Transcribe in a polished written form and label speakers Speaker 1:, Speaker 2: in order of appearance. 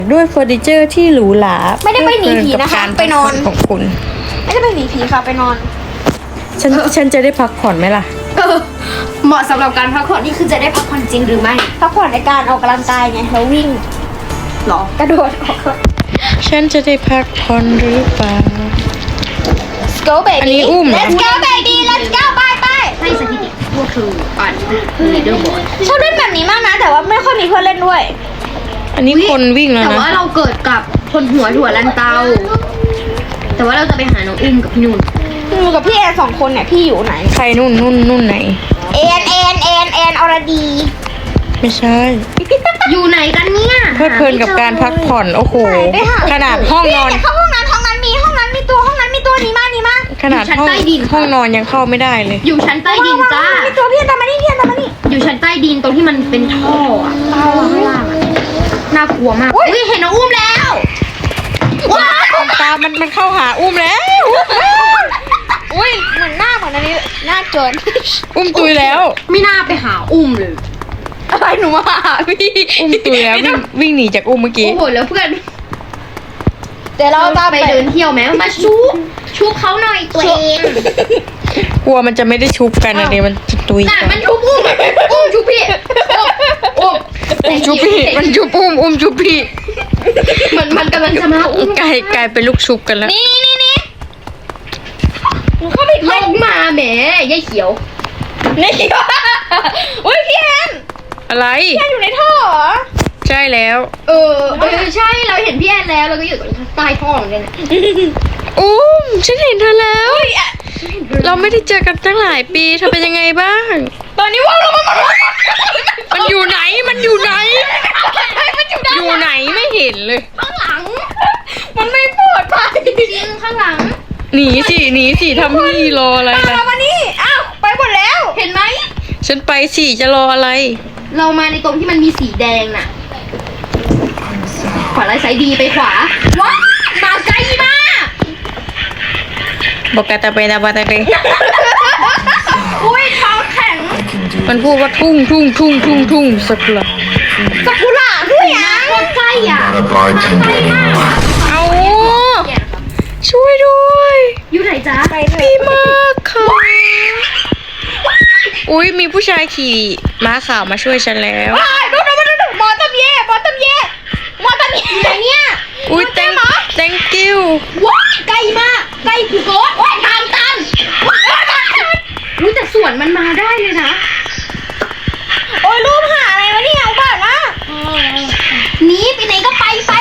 Speaker 1: ด้วยเฟอร์นิเจอร์ที่หรูหรา
Speaker 2: ไม่ได้ไปหนีผีนะคะไปนอน
Speaker 1: ของคุณ
Speaker 2: ไม่ได้ไปหนีผีค่ะไปนอน
Speaker 1: ฉันจะได้พักผ่อนไหมล่ะ
Speaker 3: เหมาะสำหรับการพักผ่อนนี่คือจะได้พักผ่อนจริงหรือไม่
Speaker 2: พักผ่อนในการออกกำลังกายไงแล้ววิ่ง
Speaker 3: หรอก
Speaker 2: ระโดดออก
Speaker 1: ฉันจะได้พักผ่อนหรือเปล่า
Speaker 2: Let's go
Speaker 1: อันนี้
Speaker 2: baby
Speaker 1: อุ้มเหรอ
Speaker 2: Let's go baby Let's go ไป
Speaker 3: ให้สถิติพวกคือปั่นลีดเดอร์บอร์ด
Speaker 2: ชอบเล่นแบบนี้มากนะ แต่ว่าไม่ค่อยมีเพื่อนเล่นด้วย
Speaker 1: อันนี้คนวิ่งแล้ว
Speaker 3: แต่
Speaker 1: นะ
Speaker 3: ว่าเราเกิดกับคนหัวถั่วลันเตา แต่ว่าเราจะไปหาน้องอุ้มกับพี่นุ่น
Speaker 2: อยู่กับพี่แอน2 คนเนี่ยพี่อยู่ไหน
Speaker 1: ใครนู่นไหน
Speaker 2: แอนอรดี
Speaker 1: ไม่ใช่
Speaker 3: อยู่ไหนกันเนี่ย
Speaker 1: เพลิดเพลินกับการพักผ่อนโอ้โห
Speaker 2: ไปหา
Speaker 1: ขนาดห้องนอน
Speaker 2: พี่เข้าห้องนั้นมีตัวนี้มานี่มา
Speaker 1: ขนาดห้องนอนยังเข้าไม่ได้เลย
Speaker 3: อยู่ชั้นใต้ดินจ้า
Speaker 2: มีตัวพี่ตามมานี่พี่ตามมานี่
Speaker 3: อยู่ชั้นใต้ดินตรงที่มันเป็นท่ออะข้างล่างอะน่ากลัวมากอุ้ยเห็นน้องอุ้มแล้วว้าว
Speaker 1: ตามันเข้าหาอุ้มแล้ว
Speaker 2: อุ้ยเหมือนอันนี้หน้าโจร
Speaker 1: อุ้มตุยแล้ว
Speaker 3: ไม่น่าไปหาอุ้มเลย
Speaker 2: อะไรหนูมาหาพี่
Speaker 1: อุ้มตุยแล้ววิ่งหนีจากอุ้มเมื่อกี้
Speaker 3: โอ้โหแล้วเพื่อน
Speaker 2: เดี๋ยวเราจะ
Speaker 3: ไปเดินเที่ยวไหมมาชุบเขาหน่อยตัวเอง
Speaker 1: กลัวมันจะไม่ได้ชุบกันอะไรมันจะตุย
Speaker 3: น่ะ
Speaker 1: ก่อน
Speaker 3: มันชุบอุ้มชุบพี่อุ้ม
Speaker 1: อุ้มชุบพี่มันชุบอุ้มชุบพี่
Speaker 3: มันกำลังจะมาอุ้ม
Speaker 1: กลายเป็นลูกชุบกันแล้ว
Speaker 2: นี่หนูเข้าไป
Speaker 3: ลงมาแหมยายเขียว
Speaker 2: นี่อุ้ยพี่แอน
Speaker 1: อะไร
Speaker 2: พี่แอนอยู่ในท่อเหรอ
Speaker 1: ใช่แล้ว
Speaker 3: ใช่เราเห็นพี่แอนแล้วเราก็อยู่ตรงใต้ท้องเหมือนกันน่ะ
Speaker 1: อุ้มฉันเห็นเธอแล้ว เราไม่ได้เจอกันตั้งหลายปีเธอเป็นยังไงบ้าง
Speaker 2: ตอนนี้ว่าเรา
Speaker 1: มันอยู่ไหนอยู่ไหนไม่เห็นเลย
Speaker 3: ข้างหลัง
Speaker 2: มันไม่ปลอดภัย
Speaker 3: จริงข้างหลัง
Speaker 1: หนีสิทำพี่รออะไร
Speaker 2: ตาม
Speaker 1: ล่ะ
Speaker 2: เรามานี่อ้าวไปหมดแล้ว
Speaker 3: เห็นไหม
Speaker 1: ฉันไปสิจะรออะไร
Speaker 3: เรามาในตรงที่มันมีสีแดงน่ะขวาไล่ไซด์ดีไปขวาว้ามาไกลมาก
Speaker 1: บอกกาตาเปนาบาตาเป
Speaker 2: อุ้ยท้องแข็ง
Speaker 1: มันพูดว่าทุ่งสักละ
Speaker 2: สักุระด้วยอ่ะ
Speaker 3: โคตรใกล้อ่ะ
Speaker 4: ใกล้มาก
Speaker 1: เอาช่วยด้วย
Speaker 3: อยู่ไหนจ๊ะ
Speaker 2: ไปเถ
Speaker 1: ดี
Speaker 2: อะ
Speaker 1: มากค่ะอุ้ยมีผู้ชายขี่ม้าขาวมาช่วยฉันแล้ว
Speaker 2: ดูหมอตำเย่ไหนเนี่ย
Speaker 1: อุ้ย thank you
Speaker 3: ว้าใกล้มากใกล้กูโกดทางตันอุ้ยแต่สวนมันมาได้เลยนะ
Speaker 2: โอ้ยรูปหาอะไรวะเนี่ยเอาบ้านนะ
Speaker 3: หนีไปไหนก็ไป